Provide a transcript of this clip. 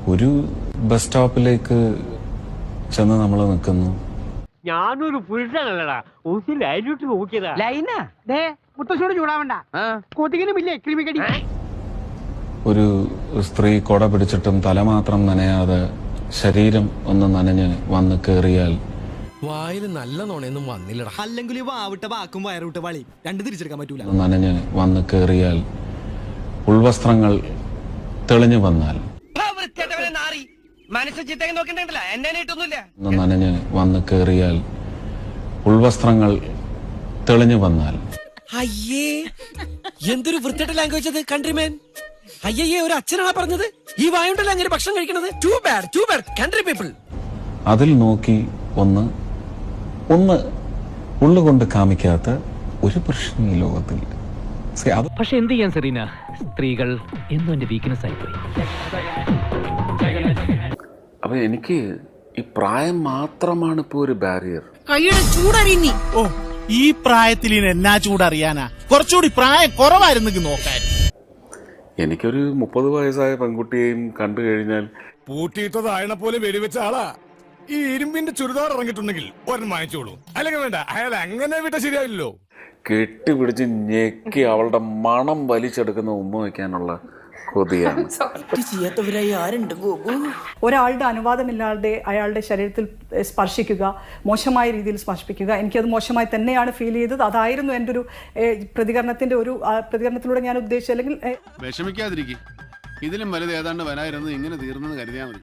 ഒരു ബസ് സ്റ്റോപ്പിലേക്ക് ചെന്ന് നമ്മൾ നിൽക്കുന്നു. ഞാനൊരു പുരുഷനല്ലടാ, ഒന്ന് ലൈനിട്ട് നോക്കിയതാ. ലൈനാ ദേ മുത്തശ്ശോട് ചൂടാവണ്ട, കൊതുകിനുമില്ലേ ക്രിമികടി. ഒരു സ്ത്രീ കൊട പിടിച്ചിട്ടും തല മാത്രം നനയാതെ ശരീരം ഒന്ന് നനഞ്ഞ് വന്ന് കയറിയാൽ വായിൽ നല്ല നോണയൊന്നും വന്നില്ലടാ. അല്ലെങ്കിൽ വാവിട്ട വാക്കും വയറുവിട്ട വളി രണ്ട് തിരിച്ചെടുക്കാൻ പറ്റൂല. നനഞ്ഞ് വന്ന് കയറിയാൽ ഉൾവസ്ത്രങ്ങൾ തെളിഞ്ഞു വന്നാൽ നനഞ്ഞ് വന്ന് കയറിയാൽ ഉൾവസ്ത്രങ്ങൾ തെളിഞ്ഞു വന്നാൽ അയ്യേ, എന്തൊരു വൃത്തിയുടെ ലാംഗ്വേജ് അത് കൺട്രിമാൻ. അയ്യേ, ഒരു അച്ഛനാണ് പറഞ്ഞത് ഈ വായുണ്ടല്ലോ അങ്ങനെ ഭക്ഷണം കഴിക്കണത്. Too bad country people. അതിൽ നോക്കി ഒന്ന് ഉള്ളുകൊണ്ട് കാമിക്കാത്ത ഒരു പ്രശ്നം ഈ ലോകത്തിൽ. പക്ഷെ എന്ത് ചെയ്യാൻ സെറീന, സ്ത്രീകൾ എന്നും എന്റെ വീക്ക്നെസ് ആയിപ്പോയി. അപ്പൊ എനിക്ക് ഈ പ്രായം മാത്രമാണ് ഇപ്പോ ഒരു ബാരിയർ. കൈയുടെ ചൂടറിയുന്നി. ഓ, ഈ പ്രായത്തിൽ എന്നാ ചൂടറിയാനാ? കുറച്ചുകൂടി പ്രായം കുറവായിരുന്നു നോക്കാൻ. എനിക്കൊരു 30 വയസ്സായ പെൺകുട്ടിയെയും കണ്ടു കഴിഞ്ഞാൽ പൂട്ടിയിട്ടതായണ പോലെ വെടിവെച്ച ആളാ. ഈ ഇരുമ്പിന്റെ ചുരിദാർ ഇറങ്ങിയിട്ടുണ്ടെങ്കിൽ ഒരെണ്ണം വാങ്ങിച്ചോളൂ. അല്ലെങ്കിൽ വേണ്ട, അയാൾ അങ്ങനെ വിട്ട ശരിയാവില്ലല്ലോ. കെട്ടിപ്പിടിച്ച് ഞെക്കി അവളുടെ മണം വലിച്ചെടുക്കുന്ന ഉമ്മ വയ്ക്കാനുള്ള കൊതിയാണ്. ചെയ്യാത്തവരായി ആരുണ്ട് ഗോപു? ഒരാളുടെ അനുവാദമില്ലാതെ അയാളുടെ ശരീരത്തിൽ സ്പർശിക്കുക, മോശമായ രീതിയിൽ സ്പർശിപ്പിക്കുക, എനിക്കത് മോശമായി തന്നെയാണ് ഫീൽ ചെയ്തത്. അതായിരുന്നു എൻ്റെ ഒരു പ്രതികരണത്തിലൂടെ ഞാൻ ഉദ്ദേശിച്ചത്. അല്ലെങ്കിൽ വിഷമിക്കാതിരിക്കും, ഇതിലും വലുത് ഏതാണ്ട് വരായിരുന്നു ഇങ്ങനെ തീർന്നെന്ന് കരുതിയാൽ മതി.